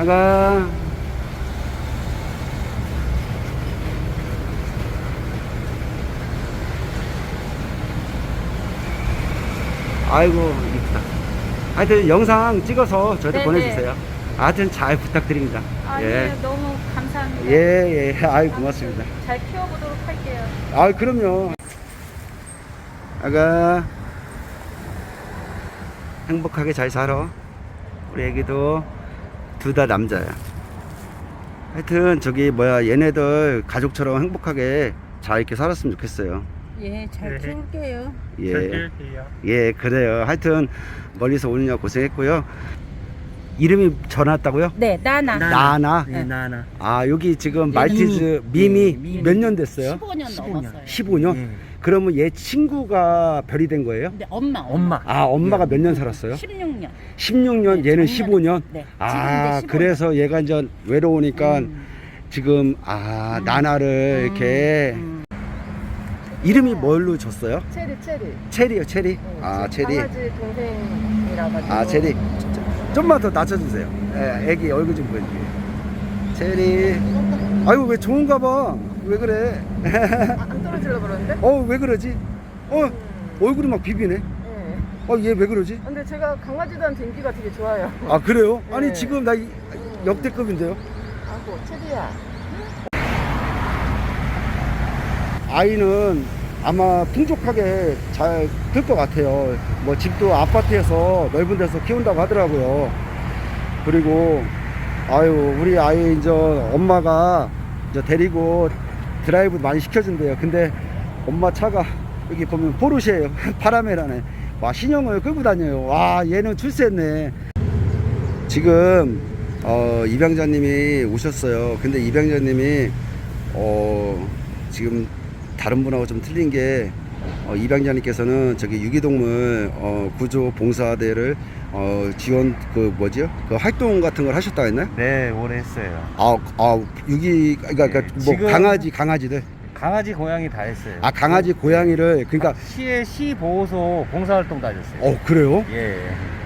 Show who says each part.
Speaker 1: 아가. 아이고 이쁘다. 하여튼 영상 찍어서 저한테
Speaker 2: 네네.
Speaker 1: 보내주세요. 하여튼 잘 부탁드립니다.
Speaker 2: 아니
Speaker 1: 예.
Speaker 2: 너무 감사합니다.
Speaker 1: 예, 예. 아이 고맙습니다.
Speaker 2: 잘 키워보도록 할게요.
Speaker 1: 아 그럼요. 아가 행복하게 잘 살아. 우리 애기도 둘 다 남자야. 하여튼 저기 뭐야 얘네들 가족처럼 행복하게 잘 이렇게 살았으면 좋겠어요.
Speaker 2: 예, 잘 키울게요.
Speaker 1: 예. 예, 그래요. 하여튼 멀리서 오느냐 고생했고요. 이름이 전화왔다고요?
Speaker 2: 네, 나나.
Speaker 1: 나나.
Speaker 3: 네, 나나.
Speaker 1: 아 여기 지금
Speaker 2: 네,
Speaker 1: 말티즈 미미
Speaker 3: 미미.
Speaker 1: 몇 년 됐어요?
Speaker 2: 15년 넘었어요.
Speaker 1: 15년?
Speaker 3: 예.
Speaker 1: 그러면 얘 친구가 별이 된 거예요?
Speaker 2: 근데 엄마.
Speaker 1: 아 엄마가 몇 년 살았어요?
Speaker 2: 16년.
Speaker 1: 16년
Speaker 2: 네,
Speaker 1: 얘는
Speaker 2: 작년에.
Speaker 1: 15년?
Speaker 2: 네.
Speaker 1: 아
Speaker 2: 지금 이제 15년.
Speaker 1: 그래서 얘가 이제 외로우니까 지금 나나를 이렇게 이름이 뭘로 줬어요?
Speaker 4: 체리.
Speaker 1: 체리요 체리? 아 체리.
Speaker 4: 강아지 동생이라 가지고.
Speaker 1: 아 체리. 좀만 더 낮춰주세요. 예, 애기 얼굴 좀 보여주세요. 체리. 아이고 왜 좋은가 봐. 왜 그래?
Speaker 4: 안 떨어지려고 그러는데?
Speaker 1: 왜 그러지? 얼굴이 막 비비네.
Speaker 4: 네.
Speaker 1: 얘 왜 그러지?
Speaker 4: 근데 제가 강아지들한테 인기가 되게 좋아요.
Speaker 1: 아 그래요? 아니
Speaker 4: 네.
Speaker 1: 지금 나 역대급인데요.
Speaker 4: 아고 체리야.
Speaker 1: 아이는 아마 풍족하게 잘 클 것 같아요. 뭐 집도 아파트에서 넓은 데서 키운다고 하더라고요. 그리고 아유 우리 아이 이제 엄마가 이제 데리고 드라이브 많이 시켜준대요. 근데 엄마 차가 여기 보면 포르쉐예요. 파라메라네. 와 신형을 끌고 다녀요. 와 얘는 출세했네. 지금 입양자님이 오셨어요. 근데 입양자님이 지금 다른 분하고 좀 틀린 게 입양자님께서는 저기 유기동물 구조 봉사대를 지원 그 활동 같은 걸 하셨다 했나요?
Speaker 3: 네, 오래 했어요.
Speaker 1: 그러니까
Speaker 3: 네,
Speaker 1: 뭐
Speaker 3: 지금-
Speaker 1: 강아지들.
Speaker 3: 강아지, 고양이 다 했어요.
Speaker 1: 아 강아지 고양이를 그러니까
Speaker 3: 시의 시 보호소 봉사활동도 하셨어요.
Speaker 1: 그래요?
Speaker 3: 예.